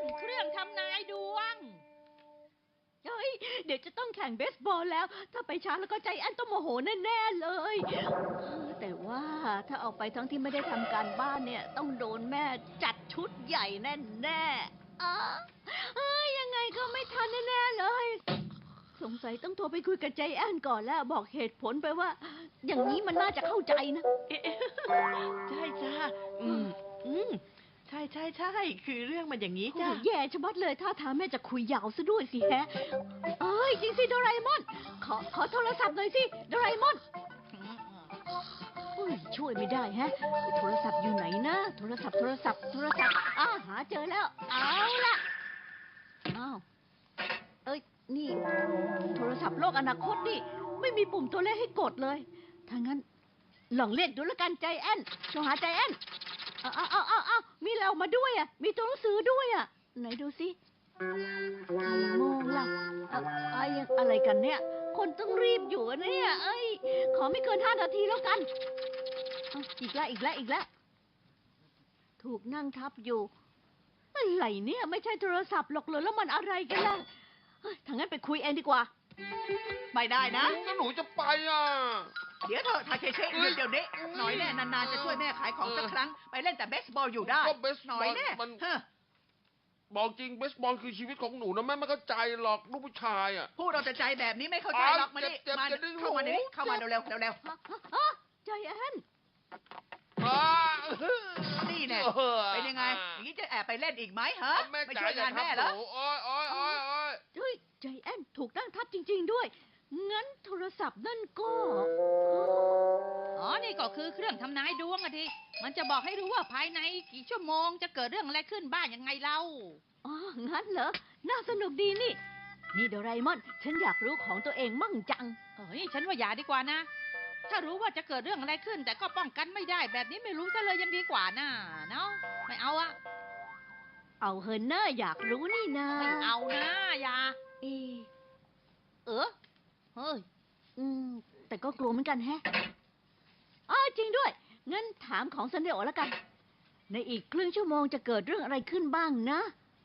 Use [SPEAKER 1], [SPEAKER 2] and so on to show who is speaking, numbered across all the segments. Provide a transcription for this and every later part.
[SPEAKER 1] เครื่องทำนายดวง
[SPEAKER 2] เฮ้ยเดี๋ยวจะต้องแข่งเบสบอลแล้ว ถ้าไปช้าแล้วก็ใจแอนต้องโมโหแน่ๆเลย แต่ว่าถ้าออกไปทั้งที่ไม่ได้ทำการบ้านเนี่ย ต้องโดนแม่จัดชุดใหญ่แน่ๆยังไงก็ไม่ทันแน่ๆเลย สงสัยต้องโทรไปคุยกับใจแอนก่อนแล้วบอกเหตุผลไปว่า อย่างนี้มันน่าจะเข้าใจนะ
[SPEAKER 3] ใช่จ้าใช่ใช่ใช่คือเรื่องมันอย่างนี้
[SPEAKER 2] โอ้
[SPEAKER 3] จ้า
[SPEAKER 2] โหแย่ชะมัดเลยท่าทางแม่จะคุยยาวซะด้วยสิแฮะ เอ้ยจริงสิโดราเอมอน ขอโทรศัพท์หน่อยสิโดราเอมอนอุ้ยช่วยไม่ได้แฮะ โทรศัพท์อยู่ไหนนะ โทรศัพท์หาเจอแล้ว เอาล่ะอ้าวเอ้ยนี่ โทรศัพท์โลกอนาคตนี่ ไม่มีปุ่มตัวเลขให้กดเลยถ้างั้นลองเรียกดูแล้วกันใจแอนโทรหาใจแอนเอามีเรามาด้วยอ่ะ มีตัวหนังสือด้วยอ่ะ ไหนดูสิกี่โมงล่ะอะไรกันเนี่ย คนต้องรีบอยู่อะเนี่ย เอ้ย ขอไม่เกิน5 นาทีแล้วกันอีกแล้ว ถูกนั่งทับอยู่ อะไรเนี่ย ไม่ใช่โทรศัพท์หรอกเลยแล้วมันอะไรกันล่ะถ้างั้นไปคุยเองดีกว่า
[SPEAKER 3] ไม่ได้นะ
[SPEAKER 4] ก็หนูจะไปอ่ะ
[SPEAKER 3] เดี๋ยวเถอะทาเคเชะหยุดเดี๋ยวนี้หน่อยแน่นานๆจะช่วยแม่ขายของสักครั้ง ไปเล่นแต่เบสบอลอยู่ได้
[SPEAKER 4] ก็เบส
[SPEAKER 3] หน่
[SPEAKER 4] บ
[SPEAKER 3] อ
[SPEAKER 4] อย ล
[SPEAKER 3] แน่
[SPEAKER 4] มัน
[SPEAKER 3] เฮ้อ
[SPEAKER 4] บอกจริงเบสบอลคือชีวิตของหนูนะแม่ไม่เข้าใจหรอกลูกผู้ชายอ่ะ
[SPEAKER 3] พูดเอาแต่ใจแบบนี้ไม่เข้าใจหรอกมาดิ
[SPEAKER 4] เจ็บ
[SPEAKER 3] มา
[SPEAKER 4] จะดึง
[SPEAKER 3] เข้ามา
[SPEAKER 4] หู
[SPEAKER 3] เดี๋ยวนี้เข้ามาเร็วๆเร็ว
[SPEAKER 2] ใจแอน
[SPEAKER 4] อ่า
[SPEAKER 3] ๆนี่แน่เป็นยังไงอย่างนี้จะแอบไปเล่นอีกไหมฮะ
[SPEAKER 4] แม่
[SPEAKER 3] ไม่
[SPEAKER 4] จ๋า
[SPEAKER 3] ช่วยาน
[SPEAKER 4] องย่า
[SPEAKER 3] แม่
[SPEAKER 4] ทำ
[SPEAKER 3] เหรอ
[SPEAKER 4] หนูโอ้ยโอ้ยโอ้ยโอ้ย
[SPEAKER 2] เฮ้ยใจแอนถูกนั่งทับจริง ๆด้วย งั้นโทรศัพท์นั่นก็
[SPEAKER 1] อ๋อ นี่ก็คือเครื่องทำนายดวงอะทีมันจะบอกให้รู้ว่าภายในกี่ชั่วโมงจะเกิดเรื่องอะไรขึ้นบ้างยังไงเล่า
[SPEAKER 2] อ๋อ งั้นเหรอ น่าสนุกดีนี่ นี่โดราเอมอน ฉันอยากรู้ของตัวเองมั่งจัง
[SPEAKER 1] เฮ้ย ฉันว่าอย่าดีกว่านะ ถ้ารู้ว่าจะเกิดเรื่องอะไรขึ้น แต่ก็ป้องกันไม่ได้แบบนี้ไม่รู้ซะเลยยังดีกว่าน่ะเนาะไม่เอาอะ
[SPEAKER 2] เอาเฮินเนอร์อยากรู้นี่นา
[SPEAKER 1] ไม่เอานะอย่า
[SPEAKER 2] เอะ
[SPEAKER 1] เฮ้ย
[SPEAKER 2] แต่ก็กลัวเหมือนกันแฮะจริงด้วย งั้นถามของซันเดโอแล้วกัน ในอีกครึ่งชั่วโมงจะเกิดเรื่องอะไรขึ้นบ้างนะ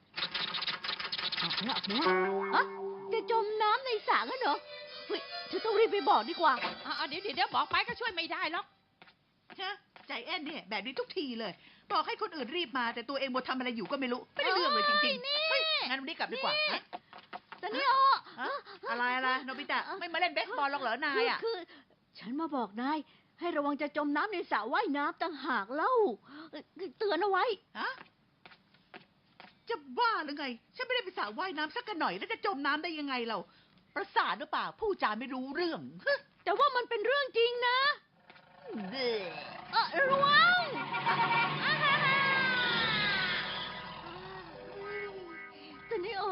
[SPEAKER 2] จะจมน้ำในสระกันเหรอ เฮ้ยฉันต้องรีบไปบอกดีกว่า
[SPEAKER 1] เดี๋ยวบอกไปก็ช่วยไม่ได้หรอก
[SPEAKER 3] ฮะใจแอนเนี่ยแบบนี้ทุกทีเลย บอกให้คนอื่นรีบมาแต่ตัวเองหมดทำอะไรอยู่ก็ไม่รู้ ไม่ได้เรื่องเลยจริงๆเฮ้ยงั้นวันนี้กลับดีกว่าฮะ
[SPEAKER 2] ซันเดโอ
[SPEAKER 3] ฮะอะไรโนบิตะไม่มาเล่นเบสบอลหรอกเหรอนายอ่ะ
[SPEAKER 2] คือฉันมาบอกนาย ให้ระวังจะจมน้ำในสระว่ายน้ำต่างหากเล่าเตือนเอาไว้
[SPEAKER 3] ฮะจะบ้าหรือไง ฉันไม่ได้ไปสระว่ายน้ำสักกันหน่อยแล้วจะจมน้ำได้ยังไงเราประสาทหรือเปล่าผู้จาไม่รู้เรื่องฮะ
[SPEAKER 2] แต่ว่ามันเป็นเรื่องจริงนะ
[SPEAKER 3] เด้อ
[SPEAKER 2] ระวังซันเดโอ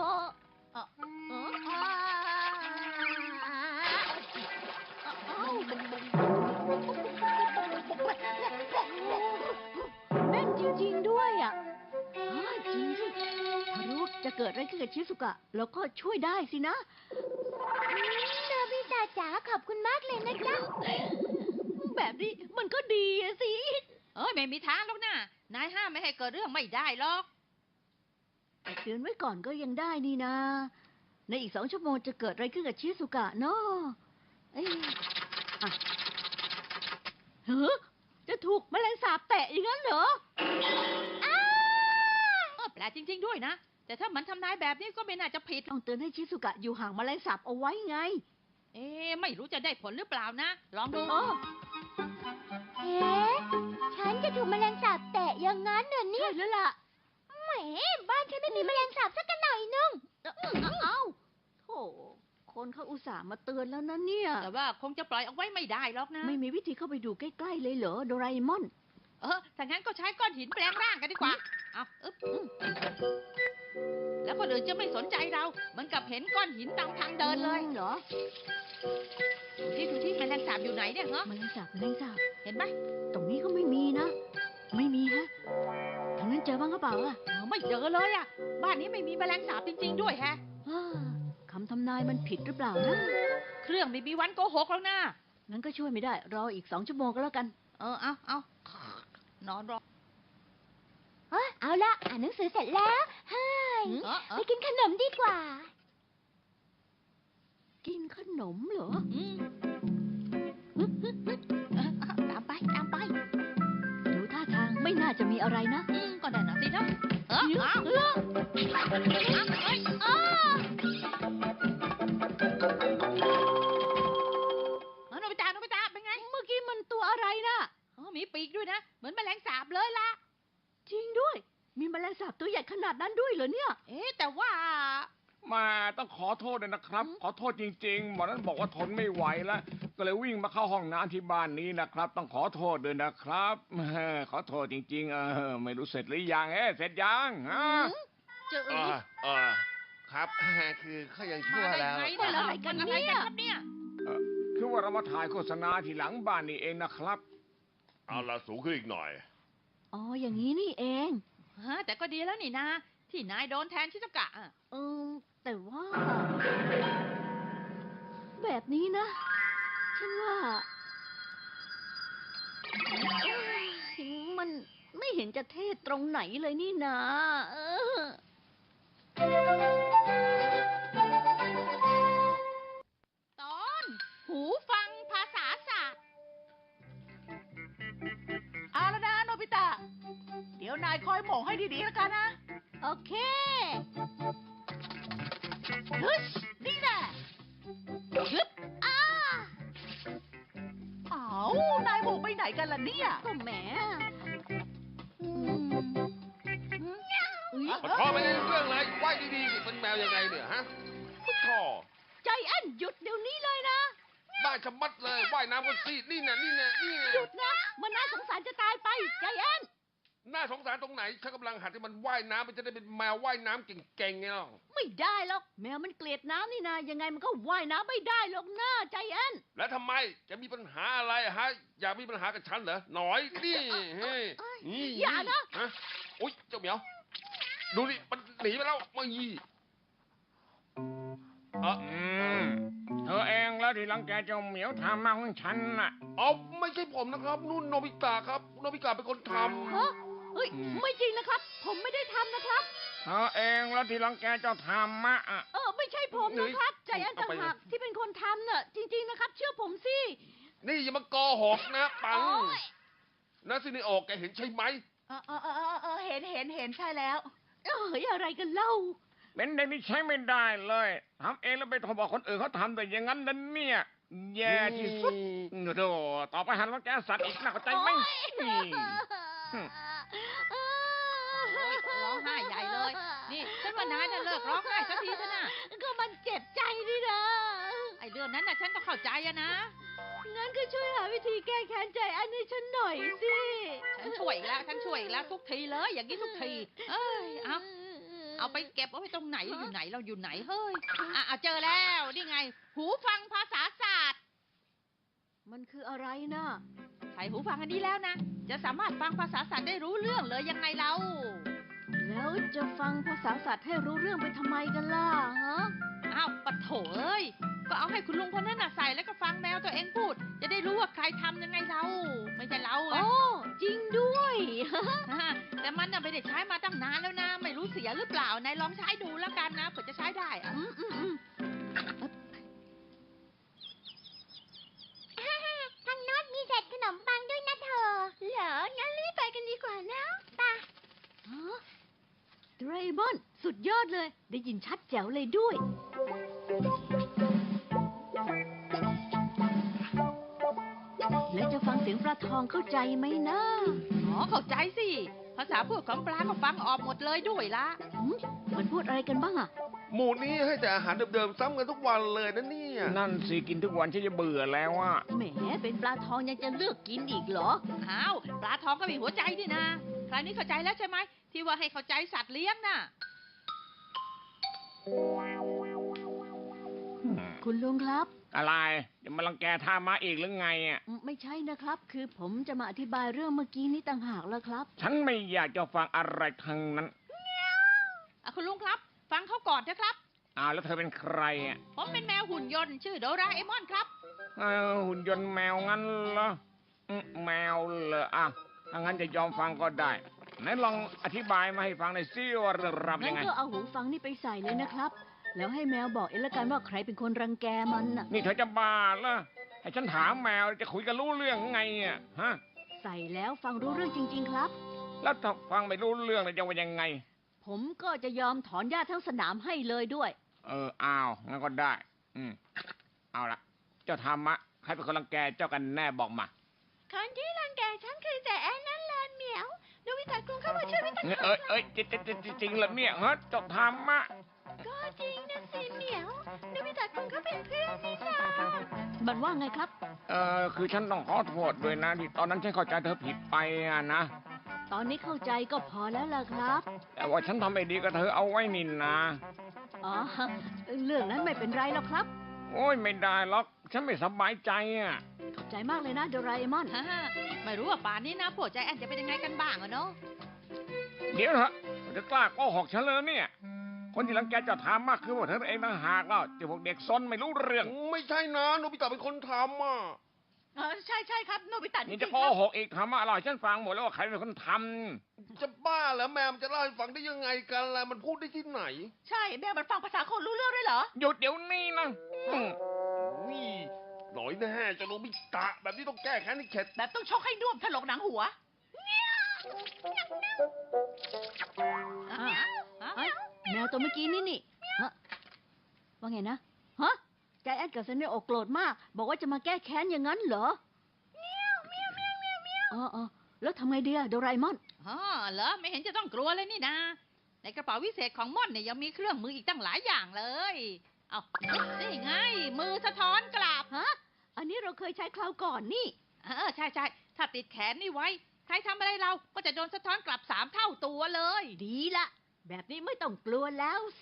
[SPEAKER 2] แม่นจริงๆด้วยอ่ะจริงสิถ้ารู้จะเกิดอะไรขึ้นกับชิสุกะแล้วก็ช่วยได้สินะโนบิตะจ๋าขอบคุณมากเลยนะจ๊ะ แบบนี้มันก็ดีอะสิ
[SPEAKER 1] ไม่มีทางหรอกนะนายห้ามไม่ให้เกิดเรื่องไม่ได้หรอก
[SPEAKER 2] แต่เตือนไว้ก่อนก็ยังได้นี่นะ ในอีก2 ชั่วโมงจะเกิดอะไรขึ้นกับชิสุกะเนาะจะถูกแมลงสาบแตะอย่างนั้นเหรอ
[SPEAKER 1] แปลกจริง ๆ ด้วยนะ แต่ถ้ามันทำนายแบบนี้ก็ไม่น่าจะผิด
[SPEAKER 2] ต้องเตือนให้ชิสุกะอยู่ห่างแมลงสาบเอาไว้ไง
[SPEAKER 1] ไม่รู้จะได้ผลหรือเปล่านะ ลองดู
[SPEAKER 5] ฉันจะถูกแมลงสาบแตะอย่างนั้นเหรอเนี่
[SPEAKER 2] ใช่
[SPEAKER 5] ย
[SPEAKER 2] แล้วล่ะ
[SPEAKER 5] แหมบ้านฉันไม่มีแมลงสาบสักหน่อยนึง
[SPEAKER 2] เอ้าโธ่คนเขาอุตส่าห์มาเตือนแล้วนะเนี่ย
[SPEAKER 1] แต่ว่าคงจะปล่อยเอาไว้ไม่ได้หรอกนะ
[SPEAKER 2] ไม่มีวิธีเข้าไปดูใกล้ๆเลยเหรอโดราเอมอน
[SPEAKER 1] ถ้างั้นก็ใช้ก้อนหินแปลงร่างกันดีกว่า เอาแล้วคนอื่นจะไม่สนใจเราเหมือนกับเห็นก้อนหินตามทางเดินเลย
[SPEAKER 2] เหรอ
[SPEAKER 1] ดูที่แมลงสาบอยู่ไหนเนี่ยเหรอ
[SPEAKER 2] แมลงสาบแมลงสาบ
[SPEAKER 1] เห็นไหม
[SPEAKER 2] ตรงนี้ก็ไม่มีนะ ไม่มีฮะทางนั้นเจอบ้างหรือเปล่าอะ
[SPEAKER 1] ไม่เจอเลยอ่ะ บ้านนี้ไม่มีแมลงสาบจริง ๆ ด้วยแฮะ
[SPEAKER 2] คำทำนายมันผิดหรือเปล่านะ
[SPEAKER 1] เครื่องไม่มีวันโกหกแล้วนะ
[SPEAKER 2] งั้นก็ช่วยไม่ได้ รออีก2 ชั่วโมงก็แล้วกัน
[SPEAKER 1] เอานอนรอ
[SPEAKER 5] เอาละอ่านหนังสือเสร็จแล้วเฮ้ยไปกินขนมดีกว่า
[SPEAKER 2] กินขนมเหรอ
[SPEAKER 1] ตามไปตามไป
[SPEAKER 2] ดูท่าทางไม่น่าจะมีอะไรนะ
[SPEAKER 1] ก็ได้นะสินะเอ้า
[SPEAKER 2] เออ
[SPEAKER 1] โนบิตะโนบิตะเป็นไง
[SPEAKER 2] เมื่อกี้มันตัวอะไรนะ
[SPEAKER 1] มีปีกด้วยนะ เหมือนแมลงสาบเลยล่ะ
[SPEAKER 2] จริงด้วย มีแมลงสาบตัวใหญ่ขนาดนั้นด้วยเหรอเนี่ย
[SPEAKER 1] แต่ว่า
[SPEAKER 6] มาต้องขอโทษด้วยนะครับ ขอโทษจริงๆหมอนั้นบอกว่าทนไม่ไหวแล้ว ก็เลยวิ่งมาเข้าห้องน้ำที่บ้านนี้นะครับ ต้องขอโทษด้วยนะครับขอโทษจริงๆไม่รู้เสร็จหรือยังเสร็จยังฮะ
[SPEAKER 1] เจอ
[SPEAKER 4] ครับ คือเขายังชั่ว
[SPEAKER 1] มาได้
[SPEAKER 4] แล้ว
[SPEAKER 1] ไงเนี่ยอะไรกันครับเนี่ย
[SPEAKER 6] คือว่าเรามาถ่ายโฆษณาที่หลังบ้านนี่เองนะครับ
[SPEAKER 4] เอาละสูงขึ้นอีกหน่อย
[SPEAKER 2] อ๋อ อย่างนี้นี่เอง
[SPEAKER 1] แต่ก็ดีแล้วนี่นาที่นายโดนแทนชิซุกะ
[SPEAKER 2] แต่ว่า แบบนี้นะ ฉันว่ามันไม่เห็นจะเท่ตรงไหนเลยนี่นะ
[SPEAKER 1] ตอนหูฟังภาษาศาสตร์
[SPEAKER 3] เอาแล้วนะโนบิตะ เดี๋ยวนายคอยหม่งให้ดีๆแล้วกันนะ
[SPEAKER 2] โอเค
[SPEAKER 3] เฮ้ยนี่แน่ยึบอ้าวนายหม่งไปไหนกันล่ะเนี่ย
[SPEAKER 2] ก็แหม
[SPEAKER 4] มันพอไม่ได้เรื่องเลยไหวดีๆเป็นแมวยังไงเนี่ยฮะพุทธอ
[SPEAKER 2] ใจแอนหยุดเดี๋ยวนี้เลยนะ
[SPEAKER 4] บ้าชะมัดเลยว่ายน้ำกันสินี่น่ะนี่น่ะนี่น่ะ
[SPEAKER 2] หยุดนะ มันน่าสงสารจะตายไป ใจแอน
[SPEAKER 4] น่าสงสารตรงไหนฉันกำลังหัดให้มันว่ายน้ำมันจะได้เป็นแมวว่ายน้ำเก่งๆไงล่ะ
[SPEAKER 2] ไม่ได้หรอก แมวมันเกลียดน้ำนี่นะ ยังไงมันก็ว่ายน้ำไม่ได้หรอกนะใจแอน
[SPEAKER 4] แล้วทำไมจะมีปัญหาอะไรฮะอยากมีปัญหากับฉันเหรอหน่อยนี่เฮ้ย
[SPEAKER 2] อย่านะ
[SPEAKER 4] ฮะอุ๊ยเจ้าเหมียวดูนี่มันหนีไปแล้วไม่ยี่
[SPEAKER 6] เธอเองแล้วที่รังแกเจ้าเหมียวทำมาของฉันน่ะ
[SPEAKER 4] เอาไม่ใช่ผมนะครับนู่นโนบิตะครับโนบิตะเป็นคนท
[SPEAKER 2] ฮะเฮ้ย ไม่จริงนะครับ ผมไม่ได้ทำนะครับ
[SPEAKER 6] เธอเองแล้วที่รังแกเจ้าธรรมะอ่ะ
[SPEAKER 2] ไม่ใช่ผมนะครับ ใจแอนต่างหากที่เป็นคนทำน่ะ จริง ๆนะครับ เชื่อผมสิ
[SPEAKER 4] ำนี่อย่ามาโกหกนะปัง
[SPEAKER 2] โอ๊ย
[SPEAKER 4] นะซินิโอแกเห็นใช่ไหม
[SPEAKER 3] เห็นใช่แล้ว
[SPEAKER 2] อะไรกันเล่า
[SPEAKER 6] เป็นเด็กที่ใช้ไม่ได้เลยทำเองแล้วไปโทรบอกคนอื่นเขาทำแต่อย่างนั้นนั่นเนี่ย แย่ที่สุดโธ่ต่อไปหันรังแกสัตว์อีกนะเข้าใจไหม
[SPEAKER 1] ร้องไห้ใหญ่เลย นี่ฉันว่านายน่ะเลิกร้องไห้สักทีเถอะนะ
[SPEAKER 2] ก็มันเจ็บใจนี่นะ
[SPEAKER 1] ไอ้เรื่องนั้นน่ะฉันก็เข้าใจอะนะ
[SPEAKER 2] งั้นก็ช่วยหาวิธีแก้แค้นใจแอนให้ฉันหน่อยสิ
[SPEAKER 1] ฉันช่วยอีกแล้วทุกทีเลย อย่างนี้ทุกที เอาไปเก็บเอาไปตรงไหนอยู่ไหนเราอยู่ไหนเฮ้ยเจอแล้วนี่ไง หูฟังภาษาศาสตร์
[SPEAKER 2] มันคืออะไรนะ
[SPEAKER 1] ใส่หูฟังอันนี้แล้วนะ จะสามารถฟังภาษาศาสตร์ได้รู้เรื่องเลยยังไงเรา
[SPEAKER 2] แล้วจะฟังภาษาสัตว์ให้รู้เรื่องไปทำไมกันล่ะฮะ
[SPEAKER 1] อ้าวปะโถเอ้ย ก็เอาให้คุณลุงคนนั้นน่ะใส่แล้วก็ฟังแมวตัวเองพูด จะได้รู้ว่าใครทำยังไงเรา ไม่ใช่เราไง
[SPEAKER 2] โอ้จริงด้วย
[SPEAKER 1] แต่มันน่ะไม่ได้ใช้มาตั้งนานแล้วนะ ไม่รู้เสียหรือเปล่านายลองใช้ดูแล้วกันนะเผื่อจะใช้ได้อะ
[SPEAKER 5] ทางโน้นมีเศษขนมปังด้วยนะเธอ เหรอ งั้นรีบไปกันดีกว่านะไป
[SPEAKER 2] ฮะโดราเอมอน สุดยอดเลย ได้ยินชัดแจ๋วเลยด้วย แล้วจะฟังเสียงปลาทองเข้าใจไหมนะ
[SPEAKER 1] เข้าใจสิ ภาษาพูดของปลาก็ฟังออกหมดเลยด้วยละ
[SPEAKER 2] มันพูดอะไรกันบ้างอะ
[SPEAKER 4] หมู่นี้ให้แต่อาหารเดิมๆซ้ำกันทุกวันเลยนะเนี่ย
[SPEAKER 6] นั่นสิกินทุกวันฉันจะเบื่อแล้วอ่ะ
[SPEAKER 2] แหม เป็นปลาทองยังจะเลือกกินอีกเหรอ
[SPEAKER 1] อ้าวปลาทองก็มีหัวใจนี่นะ คราวนี้เข้าใจแล้วใช่ไหมที่ว่าให้เข้าใจสัตว์เลี้ยงน่ะ
[SPEAKER 2] คุณลุงครับ
[SPEAKER 6] อะไรจะมารังแกท่ามาอีกหรือไงอ่ะ
[SPEAKER 2] ไม่ใช่นะครับ คือผมจะมาอธิบายเรื่องเมื่อกี้นี้ต่างหากแล้วครับ
[SPEAKER 6] ฉันไม่อยากจะฟังอะไรทั้งนั้น
[SPEAKER 1] คุณลุงครับ ฟังเขาก่อนนะครับ
[SPEAKER 6] แล้วเธอเป็นใครอ่ะ
[SPEAKER 1] ผมเป็นแมวหุ่นยนต์ชื่อโดราเอมอนครับ
[SPEAKER 6] หุ่นยนต์แมวงั้นเหรอแมวเหรอถ้างั้นจะยอมฟังก็ได้ไหนลองอธิบายมาให้ฟังหน่อยสิว่าเรื่องราวเป็น
[SPEAKER 2] งั้
[SPEAKER 6] ยั
[SPEAKER 2] น
[SPEAKER 6] งไง
[SPEAKER 2] ก็เอาหูฟังนี่ไปใส่เลยนะครับ แล้วให้แมวบอกเองละกันว่าใครเป็นคนรังแกมันน่ะ
[SPEAKER 6] นี่เธอจะบ้าเหรอให้ฉันถามแมวจะคุยกันรู้เรื่องไงอ่ะฮะ
[SPEAKER 2] ใส่แล้วฟังรู้เรื่องจริง ๆ ครับ
[SPEAKER 6] แล้วถ้าฟังไม่รู้เรื่องเลยจะว่ายังไง
[SPEAKER 2] ผมก็จะยอมถอนหญ้าทั้งสนามให้เลยด้วย
[SPEAKER 6] อ้าวงั้นก็ได้ เอาละเจ้าธรรมะใครเป็นคนรังแกเจ้ากันแน่บอกมา
[SPEAKER 5] คนที่รังแกฉันคือแต่แอนนั่นแหละเหมียวโนบิตะกรุงเข้ามาช่วยไม่ต้อง
[SPEAKER 6] จริงเหรอเนี่ยฮะเจ้าธรรมะ
[SPEAKER 5] ก็จริงนะสิเหมียวโนบิตะกรุงเขาเป็นเพื่อนนี่นา
[SPEAKER 2] มันว่าไงครับ
[SPEAKER 6] คือฉันต้องขอโทษด้วยนะที่ตอนนั้นฉันเข้าใจเธอผิดไปอะนะ
[SPEAKER 2] ตอนนี้เข้าใจก็พอแล้วล่ะครับ
[SPEAKER 6] แต่ว่าฉันทำไม่ดีกับเธอเอาไว้นินนะ
[SPEAKER 2] อ๋อ เรื่องนั้นไม่เป็นไรหรอกครับ
[SPEAKER 6] โอ้ยไม่ได้หรอก ฉันไม่สบายใจอ่ะ
[SPEAKER 2] ขอบใจมากเลยนะโดราเอมอน
[SPEAKER 1] ฮ่าไม่รู้ว่าป่านนี้นะพวกใจแอนจะเป็นยังไงกันบ้างอะเนาะ
[SPEAKER 6] เดี๋ยวเถอะจะกล้าโกหกฉันเลยเนี่ย คนที่รังแกเจะถามมากคือพวกเธอเองต่างหากแล้วเจ้าพวกเด็กซนไม่รู้เรื่อง
[SPEAKER 4] ไม่ใช่นะโนบิตะเป็นคนทำอ่ะ
[SPEAKER 3] ใช่ใช่ครับโนบิตะ
[SPEAKER 6] นี่
[SPEAKER 3] จ
[SPEAKER 6] จะ
[SPEAKER 3] ริง
[SPEAKER 6] โก
[SPEAKER 3] ๆครับ
[SPEAKER 6] หกอีกทำอะไรฉันฟังหมดแล้วว่าใครเป็นคนท
[SPEAKER 4] จะบ้าแล้วแมวมันจะเล่าให้ฟังได้ยังไงกันล่ะมันพูดได้ที่ไหน
[SPEAKER 3] ใช่แม่มันฟังภาษาคนรู้เรื่องด้วยเหรอ
[SPEAKER 6] ำหยุดเดี๋ยวนี้นะอืม
[SPEAKER 4] นี่หน่อยแน่เจ้าโนบิตะแบบนี้ต้องแก้แค้นให้เข็ด
[SPEAKER 3] แบบต้องชกให้น่วมถลกหนังหัว
[SPEAKER 2] อ้าวเอ้ยแมวตัวเมื่อกี้นี่ฮะว่าไงนะ ฮะใจแอนกับเซนเนโอโกรธมาก บอกว่าจะมาแก้แค้นอย่างนั้นเหรออ๋อแล้วทำไงดีอะโดราเอมอน
[SPEAKER 1] อ๋อเหรอไม่เห็นจะต้องกลัวเลยนี่นาในกระเป๋าวิเศษของม่อนเนี่ยยังมีเครื่องมืออีกตั้งหลายอย่างเลย เอานี่ไง มือสะท้อนกลับ
[SPEAKER 2] ฮะ อันนี้เราเคยใช้คราวก่อนนี่
[SPEAKER 1] ใช่ถ้าติดแขนนี่ไว้ ใครทำอะไรเราก็จะโดนสะท้อนกลับ3 เท่าตัวเลย
[SPEAKER 2] ดีละ แบบนี้ไม่ต้องกลัวแล้วสิ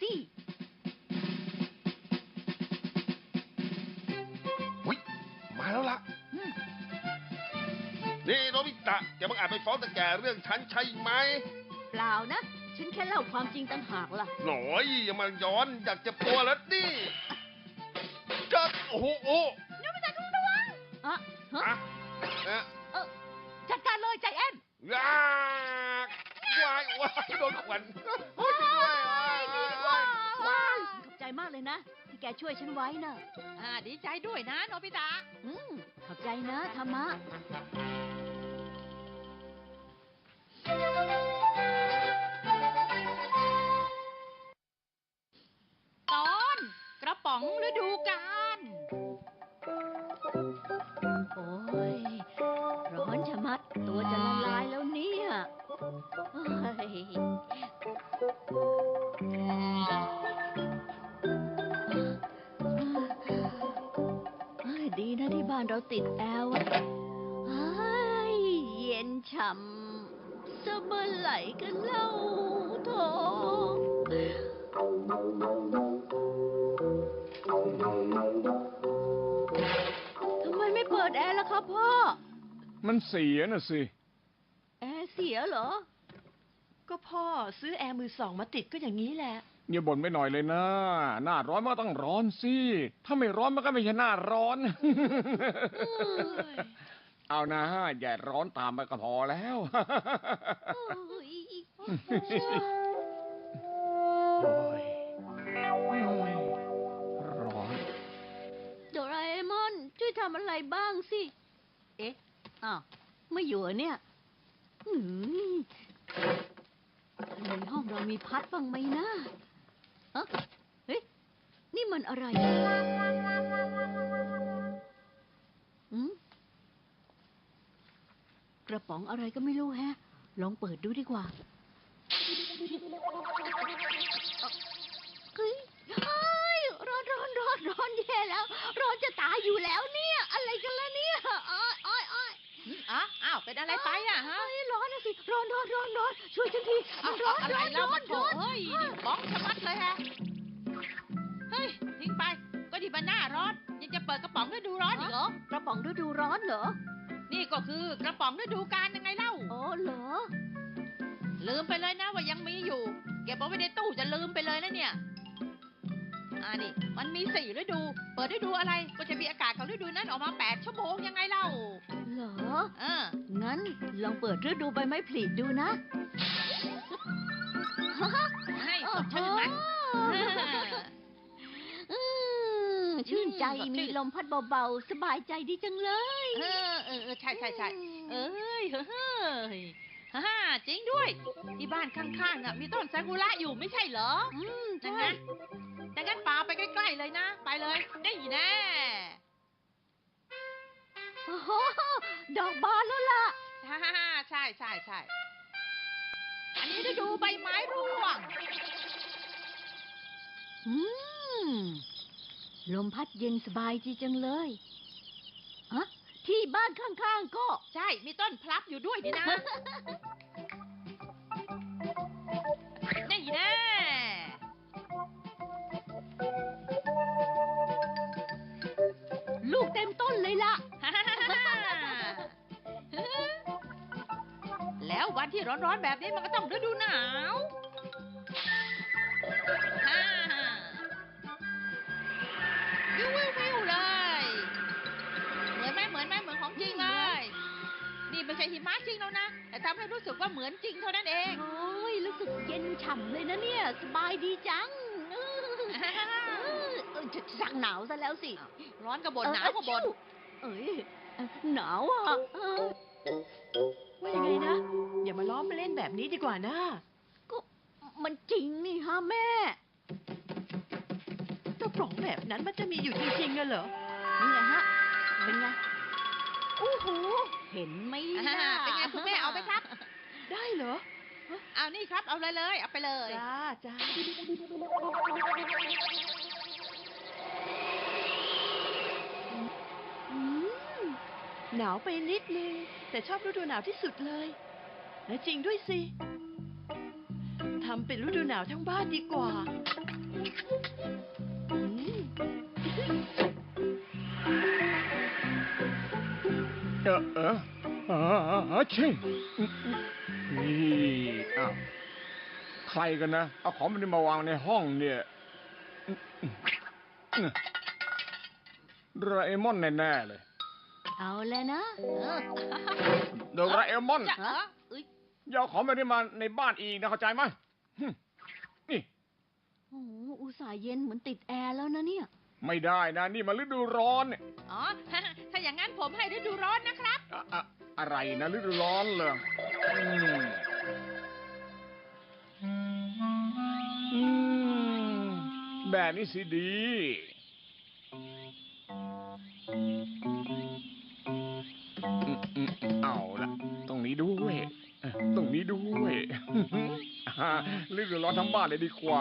[SPEAKER 4] อุ๊ยมาแล้วล่ะ
[SPEAKER 1] อืม
[SPEAKER 4] นี่โนบิตะอย่ามาอาจไปฟ้องตะแกเรื่องฉันใช่ไหม
[SPEAKER 2] เปล่านะ ฉันแค่เล่าความจริงต่างหากล่ะ
[SPEAKER 4] หน่อยอย่ามาย้อนอยากจะปัวแล้วดิจะโอ้โหโอ้
[SPEAKER 2] อะฮะ
[SPEAKER 4] อะเอ๊ะ
[SPEAKER 3] จัดการเลยใจแอน
[SPEAKER 4] ยากวายวายโดนขวัญโอ้ยช่วยด้วยว้าย
[SPEAKER 2] ขอบใจมากเลยนะ ที่แกช่วยฉันไว้นะ
[SPEAKER 1] ดีใจด้วยนะโนบิตะ
[SPEAKER 2] ขอบใจนะธรรมะ
[SPEAKER 1] ตอนกระป๋องฤดูกาล
[SPEAKER 2] โอ้ย ร้อนชะมัด ตัวจะละลายแล้วเนี่ยเฮ้ยดีนะที่บ้านเราติดแอร์อะเฮ้ยเย็นฉ่ำจะเมื่อไหร่กันเล่าโถทำไมไม่เปิดแอร์ล่ะครับพ่อ
[SPEAKER 6] มันเสียน่ะสิ
[SPEAKER 2] แอร์เสียเหรอ
[SPEAKER 3] ก็พ่อซื้อแอร์มือสองมาติดก็อย่างนี้แหละ
[SPEAKER 6] อย่าบ่นไปหน่อยเลยนะ หน้าร้อนมันก็ต้องร้อนสิ ถ้าไม่ร้อนมันก็ไม่ใช่หน้าร้อน เอานะอย่าร้อนตามไปก็พอแล้ว โอ้ยร้อน
[SPEAKER 2] โดราเอมอนช่วยทำอะไรบ้างสิ เอ๊ะ อ้าว ไม่อยู่เหรอเนี่ยในห้องเรามีพัดบ้างไหมนะฮะเฮ้ย นี่มันอะไรอืมกระป๋องอะไรก็ไม่รู้แฮะ ลองเปิดดูดีกว่า เฮ้ยร้อนแย่แล้ว ร้อนจะตายอยู่แล้วเนี่ย อะไรกันล่ะเนี่ยอ้อย
[SPEAKER 1] อ้าวเป็นอะไรไปอะฮะ
[SPEAKER 2] ร้อนนะสิ ร้อน ช่วยฉันทีมันร้อน
[SPEAKER 1] อะไรแล้วมาโถเฮ้ยนี่บ้องชะมัดเลยฮะ เฮ้ย ทิ้งไป ก็ดีมันหน้าร้อน ยังจะเปิดกระป๋องฤดูร้อนอีกเหรอ
[SPEAKER 2] กระป๋องฤดูร้อนเหรอ
[SPEAKER 1] นี่ก็คือกระป๋องฤดูกาลยังไงเล่า
[SPEAKER 2] อ๋อเหรอ
[SPEAKER 1] ลืมไปเลยนะว่ายังมีอยู่ เก็บเอาไว้ในตู้จะลืมไปเลยนะเนี่ย นี่ มันมี4 ฤดู เปิดฤดูอะไร ก็จะมีอากาศของฤดูนั้นออกมา8 ชั่วโมงยังไงเล่า
[SPEAKER 2] เหรอ
[SPEAKER 1] เออ
[SPEAKER 2] งั้นลองเปิดฤดูใบไม้ผลิดูนะ
[SPEAKER 1] ให้สดชื่นไหม
[SPEAKER 2] ชื่นใจมีลมพัดเบาๆ สบายใจดีจังเลย
[SPEAKER 1] ใช่เอ้ยเฮ้ยฮ่าจริงด้วย ที่บ้านข้างๆมีต้นซากุระอยู่ไม่ใช่เหรอ
[SPEAKER 2] ใช่
[SPEAKER 1] ดังนั้นป่าไปใกล้ๆเลยนะ ไปเลยได้แน่
[SPEAKER 2] โอ้โหดอกบานแล้วล่ะ
[SPEAKER 1] ฮ่าใช่อันนี้ฤดูใบไม้ร่วง
[SPEAKER 2] อืม ลมพัดเย็นสบายดีจังเลยอะที่บ้านข้างๆก็
[SPEAKER 1] ใช่ มีต้นพลับอยู่ด้วยนี่นะ นี่แน่
[SPEAKER 2] ลูกเต็มต้นเลยล่ะ
[SPEAKER 1] แล้ววันที่ร้อนๆแบบนี้มันก็ต้องฤดูหนาวฮ่าวิวเลย เหมือนไหมเหมือนของจริงเลย นี่ไม่ใช่หิมะจริงแล้วนะ แต่ทำให้รู้สึกว่าเหมือนจริงเท่านั้นเอง
[SPEAKER 2] โอ้ยรู้สึกเย็นฉ่ำเลยนะเนี่ย สบายดีจังสั่งหนาวซะแล้วสิ
[SPEAKER 1] ร้อนก็บ่นหนาวก็บ่น
[SPEAKER 2] เอ้ยหนาวอ่ะ
[SPEAKER 3] ว่ายังไงนะ อย่ามาล้อมมาเล่นแบบนี้ดีกว่านะ
[SPEAKER 2] ก็มันจริงนี่ฮะแม่
[SPEAKER 3] กระป๋องแบบนั้นมันจะมีอยู่จริงๆอะเหรอ
[SPEAKER 2] นี่ไงฮะ เป็นไง โอ้โห เห็นไหมล่ะ
[SPEAKER 1] เป็นไงคุณแม่เอาไหมครับ
[SPEAKER 3] ได้เหรอ
[SPEAKER 1] เอานี่ครับ เอาเลยเอาไปเลย
[SPEAKER 3] จ้า
[SPEAKER 2] อืม
[SPEAKER 3] หนาวไปนิดนึง แต่ชอบฤดูหนาวที่สุดเลย และจริงด้วยสิ ทำเป็นฤดูหนาวทั้งบ้านดีกว่าอืม
[SPEAKER 6] ชินี่อ้าวใครกันนะ เอาของมันมาวางในห้องเนี่ยโดราเอมอนแน่ๆเลย
[SPEAKER 2] เอาแล้วนะ
[SPEAKER 6] โดราเอมอน
[SPEAKER 1] จะเอ้ย
[SPEAKER 6] อย่าเอาของแบบนี้มาในบ้านอีกนะเข้าใจไหมนี่
[SPEAKER 2] โอ้โหอุตส่าห์เย็นเหมือนติดแอร์แล้วนะเนี่ย
[SPEAKER 6] ไม่ได้นะ นี่มันฤดูร้อนเนี่ย
[SPEAKER 1] อ๋อ ถ้าอย่างนั้นผมให้ฤดูร้อนนะครับ
[SPEAKER 6] อะไรนะฤดูร้อนเหรอแบบนี้สิดี เอาละตรงนี้ด้วยตรงนี้ด้วยฤดูร้อนทั้งบ้านเลยดีกว่า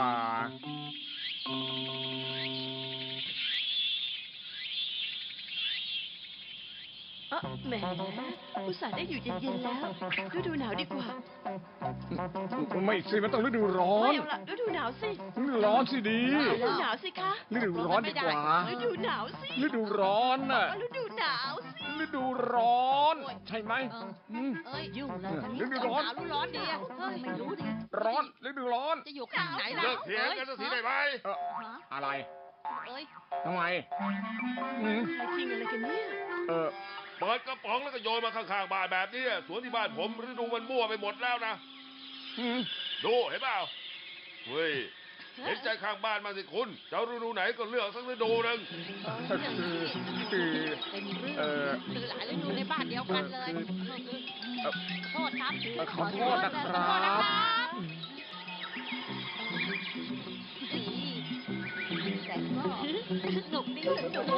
[SPEAKER 3] แหมอุตส่าห์ได้อยู่เย็นๆแล้วฤดูหนาวดีกว่า
[SPEAKER 6] ไม่สิมันต้องฤดูร้อ
[SPEAKER 3] ไม่
[SPEAKER 6] น
[SPEAKER 3] เอาละฤดูหนาวสิ
[SPEAKER 6] ฤดูร้อนสิดี
[SPEAKER 3] ฤดูหนาวสิคะ
[SPEAKER 6] ฤดูร้อนดีกว่า
[SPEAKER 3] ฤดูหนาวสิ
[SPEAKER 6] ฤดูร้อนน่ะ
[SPEAKER 3] ฤดูหนาวสิ
[SPEAKER 6] ฤดูร้อน ใช่ไหม
[SPEAKER 1] เอ้ย
[SPEAKER 2] ยุ่งแล้วตอนนี้
[SPEAKER 6] ฤดูร้อน
[SPEAKER 1] หนาวหรือร้อนดีอะเฮ้ย
[SPEAKER 2] ไม่รู้ดิ
[SPEAKER 6] ร้อนฤดูร้อน
[SPEAKER 1] จะอยู่ข้างไหนล่ะ
[SPEAKER 4] เลิกเถียงกันสักทีได้ไหม
[SPEAKER 6] อะไร
[SPEAKER 1] เอ้ย
[SPEAKER 6] ทำไมอืม
[SPEAKER 3] ใครทิ้งอะไรกันเนี่ย
[SPEAKER 6] เออ
[SPEAKER 4] เปิดกระป๋องแล้วก็โยนมาข้างๆบ้านแบบนี้สวนที่บ้านผมฤดูมันมั่วไปหมดแล้วนะ
[SPEAKER 6] อืม
[SPEAKER 4] ดูเห็นเปล่าเฮ้ยเห็นใจข้างบ้านมางสิคุณจะเอาฤดูไหนก็เลือกสักฤดูหนึ่ง
[SPEAKER 6] คือ
[SPEAKER 1] เป็นเรื่อง
[SPEAKER 6] เออ
[SPEAKER 1] คือหลายฤดูในบ้านเดียวกันเลยโทษครับ
[SPEAKER 6] ขอโทษนะค
[SPEAKER 1] ขอ
[SPEAKER 6] รั
[SPEAKER 1] โทษนะ
[SPEAKER 6] บ
[SPEAKER 1] ครับ
[SPEAKER 2] แต่ก็สนุกดีสนุก